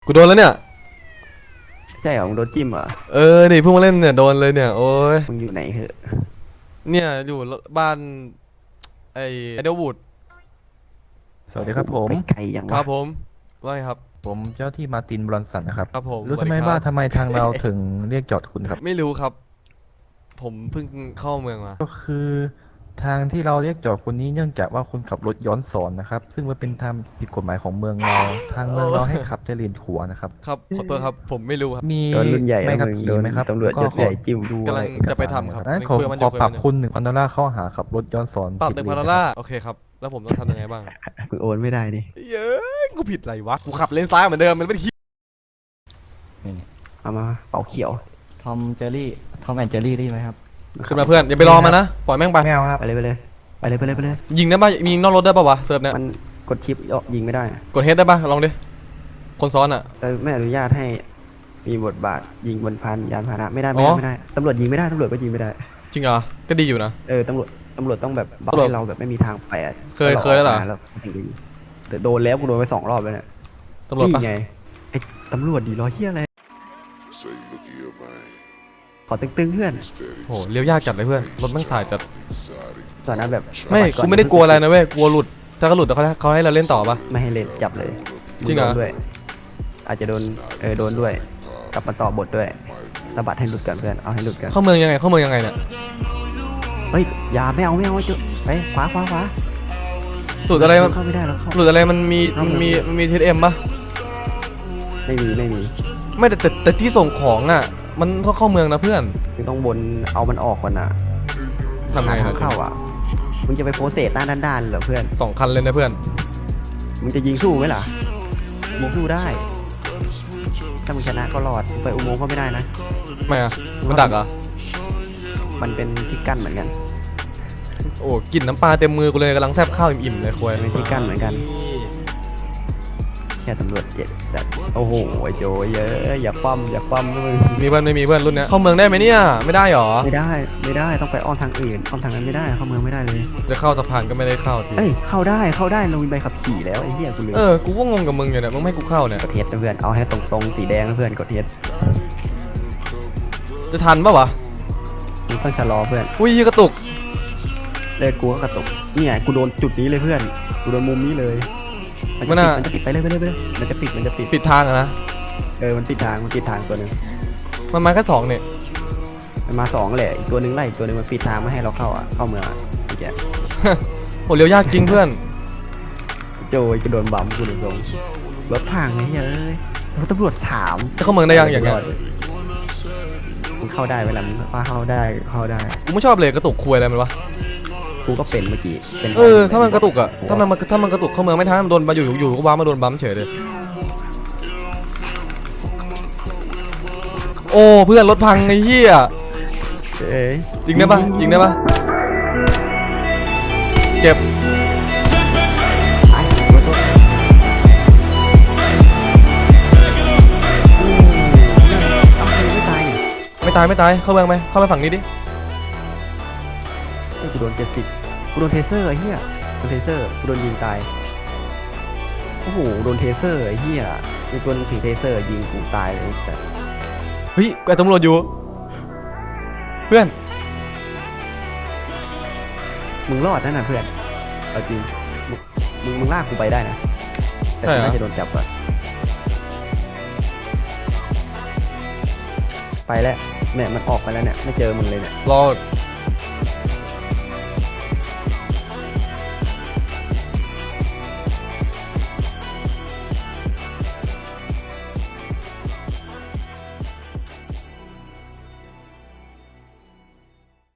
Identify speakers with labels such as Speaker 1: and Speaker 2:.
Speaker 1: กูโดนแล้วเนี่ย
Speaker 2: ใช่เหรอมึงโดนจิ้มเหรอ
Speaker 1: นี่เพิ่งมาเล่นเนี่ยโดนเลยเนี่ยโอ้ย
Speaker 2: มึงอยู่ไหนเหอะ
Speaker 1: เนี่ยอยู่บ้านไอเดลวูด
Speaker 3: สวัสดีครับผม
Speaker 2: ไปไกลยัง
Speaker 1: ครั
Speaker 2: วะ
Speaker 1: บผมว่าไงครับ
Speaker 3: ผมเจ้าที่มาร์ตินบรอนสันนะครับ
Speaker 1: ครับผม
Speaker 3: รู้
Speaker 1: สวัส
Speaker 3: ทำไม
Speaker 1: ดีครับ
Speaker 3: ว่าทำไมทางเราถึงเรียกจอดคุณครับ
Speaker 1: ไม่รู้ครับ ผมเพิ่งเข้าเมืองมา
Speaker 3: ก็คือทางที่เราเรียกจอดคุณนี้เนื่องจากว่าคุณขับรถย้อนสอนนะครับซึ่งมันเป็นทางผิดกฎหมายของเมืองเราทางเมืองเราให้ขับแต่เลนขวานะครับ
Speaker 1: ครับขอโทษครับผมไม่รู้ครับ
Speaker 3: มี
Speaker 2: โดนรุ่นใหญ่
Speaker 3: ไม่
Speaker 2: นะ
Speaker 3: ขับ
Speaker 2: มึง
Speaker 3: ขี่
Speaker 2: โดน
Speaker 3: ไหมครับ
Speaker 2: ตำรวจ
Speaker 3: แล้
Speaker 2: ย
Speaker 3: ก็
Speaker 2: ศใหญ่จิ้ม
Speaker 3: ดู
Speaker 1: กำลัง
Speaker 3: เอกสาร
Speaker 1: จะไปทำครับ
Speaker 3: นั้น
Speaker 1: ไม่
Speaker 3: ขอ
Speaker 1: คุยกับมัน
Speaker 3: ขอ
Speaker 1: เดี๋ยวคุยกับมัน
Speaker 3: ปรับคุณ1,000 ดอลลาร์ข้อหาขับรถย้อนสอน
Speaker 1: ปรับ
Speaker 3: ผิด
Speaker 1: 1,000 ดอล
Speaker 3: เลน
Speaker 1: ลาร์โอเคครับแล้วผมต้องทำยังไงบ้าง
Speaker 2: มึงโอนไม่ได้ดิ
Speaker 1: เย้ยกูผิดอะไรวะกูขับเลนซ้ายเหมือนเดิมมันไม่ได้
Speaker 2: เอามาเป่าเขียว
Speaker 4: ทอมเจอรี่ทอมแอนเจอรี่ได้ไหมครับ
Speaker 1: ขึ้นมาเพื่อนอย่าไปรอมันนะปล่อยแม่งไป
Speaker 4: ไม่เอาครับ
Speaker 2: ไปเลยไปเลยไปเลยไปเลยไปเลย
Speaker 1: ยิงได้ป่ะมีนอกรถได้ป่ะวะเซิร์ฟเนี่ย
Speaker 2: มันกดชิปยิงไม่ได้
Speaker 1: กดเฮดได้ป่ะลองดิคนซ้อนอ่ะ
Speaker 2: แต่ไม่อนุญาตให้มีบทบาทยิงบนพันยานพาหนะไม่ได้
Speaker 1: อ๋
Speaker 2: ไม่
Speaker 1: อ
Speaker 2: ได้ตำรวจยิงไม่ได้ตำรวจก็ยิงไม่ได้
Speaker 1: จริงเหรอก็ดีอยู่นะ
Speaker 2: ตำรวจต้องแบบบอก
Speaker 1: ตำรวจ
Speaker 2: ให้เราแบบไม่มีทางไปอะ
Speaker 1: เคยแล้วเหรอ
Speaker 2: แล้วถึงจะยิงแต่โดนแล้วกูโดนไป2 รอบแล้วเนี่ย
Speaker 1: ตำรวจปะ
Speaker 2: นี่ไงไอ้ตำรวจดีรอเฮียอะไร
Speaker 5: Say, look here, man.
Speaker 2: ขอตึงๆเพื่อน
Speaker 1: โหเลี้ยวยากจัดเลยเพื่อนรถแม่งสายจัด
Speaker 2: ตอนนั้นแบบ
Speaker 1: ไม่
Speaker 2: สย
Speaker 1: กูไม่ได้กลัวอะไรนะเว้ยกลัวหลุดถ้าก็หลุดเขาให้เราเล่นต่อปะ
Speaker 2: ไม่ให้เล่นจับเลย
Speaker 1: จริงเหรอ
Speaker 2: โดนด้วย อาจจะโดนโดนด้วยกลับมาต่อบทด้วยสะบัดให้หลุดกันเพื่อนเอาให้หลุดกัน
Speaker 1: เข้าเมืองยังไงเนี่ย
Speaker 2: เฮ้ยอย่าไม่เอาจุไปขวา
Speaker 1: หลุดอะไรมัน
Speaker 2: เข้าไม่ได้แล้วเข้า
Speaker 1: หลุดอะไรมันมีเทสเอ็มปะ
Speaker 2: ไม่มี
Speaker 1: ไม่แต่ที่ส่งของอ่ะมันต้องเข้าเมืองนะเพื่อน
Speaker 2: มึงต้องบนเอามันออกก่อนนะ
Speaker 1: ทำไง
Speaker 2: หาทา
Speaker 1: นะ
Speaker 2: งเข้าอ่ะมึงจะไปโพสเซตหน้าด้านๆเหรอเพื่อน
Speaker 1: 2 คันเลยนะเพื่อน
Speaker 2: มึงจะยิงสู้ไหมล่ะมึงสู้ได้ถ้ามึงชนะก็รอดไปอุโมงค์ก็ไม่ได้นะ
Speaker 1: ไม่อะมันดักเหรอ
Speaker 2: มันเป็นที่กั้นเหมือนกัน
Speaker 1: โอ้กลิ่นน้ำปลาเต็มมือกูเลยกำลังแซบข้าวอิ่มๆเลยคุย
Speaker 2: เป็นที่กั้นเหมือนกันแค่ตำรวจ7แต่โอ้โหไอ้โจเยอะอย่าปั้มนะมึง
Speaker 1: มีเพื่อนไม่มีเพื่อนรุ่นเนี้ยเข้าเมืองได้ไหมเนี่ยไม่ได้หรอ
Speaker 2: ไม่ได้ต้องไปอ้อมทางอื่นอ้อมทางนั้นไม่ได้เข้าเมืองไม่ได้เลย
Speaker 1: จะเข้าสะพานก็ไม่ได้เข้าที
Speaker 2: เอ้ยเข้าได้เรามีใบขับขี่แล้วไอ้เหี้ยกูลืม
Speaker 1: กูก็งงกับมึงอยู่เนี่ยมึงไม่ให้กูเข้าเนี่ย
Speaker 2: กดเทสนะเพื่อนเอาให้ตรงๆสีแดงนะเพื่อนกดเทส
Speaker 1: จะทันปะวะ
Speaker 2: มึงต้องชะลอเพื่อน
Speaker 1: อุ้ยกระตุก
Speaker 2: เลิกกูก็กระตุกเนี่ยกูโดนจุดนี้เลยเพื่อนกูโดนมุมนี้เลยมันจะปิดไปเลยมันจะปิด
Speaker 1: ปิดทางอะนะ
Speaker 2: มันปิดทางตัวหนึง
Speaker 1: มันมาแค่2เนี่ย
Speaker 2: มันมา2แหละอีกตัวหนึงไล่อีกตัวหนึงมันปิดทางไม่ให้เราเข้าเมืองไอ้แก
Speaker 1: โหเลี้ยวยากจริงเพื่อน
Speaker 2: โจยกูโดนบัมกูโดนลงรถพังไอ้เหี้ยรถตำรวจ3
Speaker 1: จะเข้าเมืองได้ยังอย่างเงี้ย
Speaker 2: มึงเข้าได้เวลามึงเข้าได้
Speaker 1: กูไม่ชอบเลยกระตุกคุยอะไรมันวะ
Speaker 2: กูก็เป็นเมื่อกี้เป็น
Speaker 1: ถ้ามันกระตุกอะถ้ามันกระตุกเข้าเมืองไม่ทันมันโดนมาอยู่ก็ว้ามาโดนบัมเฉยเลยโอ้เพื่อนรถพังไอ้เหี้ย
Speaker 2: เอ้ย
Speaker 1: ยิงได้ปะเจ็บ
Speaker 2: ไอ้ตัวไม่ตาย
Speaker 1: ไม่ตายเข้าเมืองไหมเข้าไปฝั่งนี้ดิ
Speaker 2: กูโดนกูโดนเทเซอร์ไอ้เหี้ยโดนเทเซอร์กูโดนยิงตายโอ้โหโดนเทเซอร์ไอ้เหี้ยมีตัวนึงถือเทเซอร์ยิงกูตายเลยแต่
Speaker 1: เฮ้ยไอ้ตำรวจอยู่เพื่อน
Speaker 2: มึงรอดนั่นนะเพื่อนเอาจริงมึงลากกูไปได้นะแต่กูน่าจะโดนจับก่อนไปแล้วเนี่ยมันออกไปแล้วเนี่ยไม่เจอมึงเลยเนี่ย
Speaker 1: รอ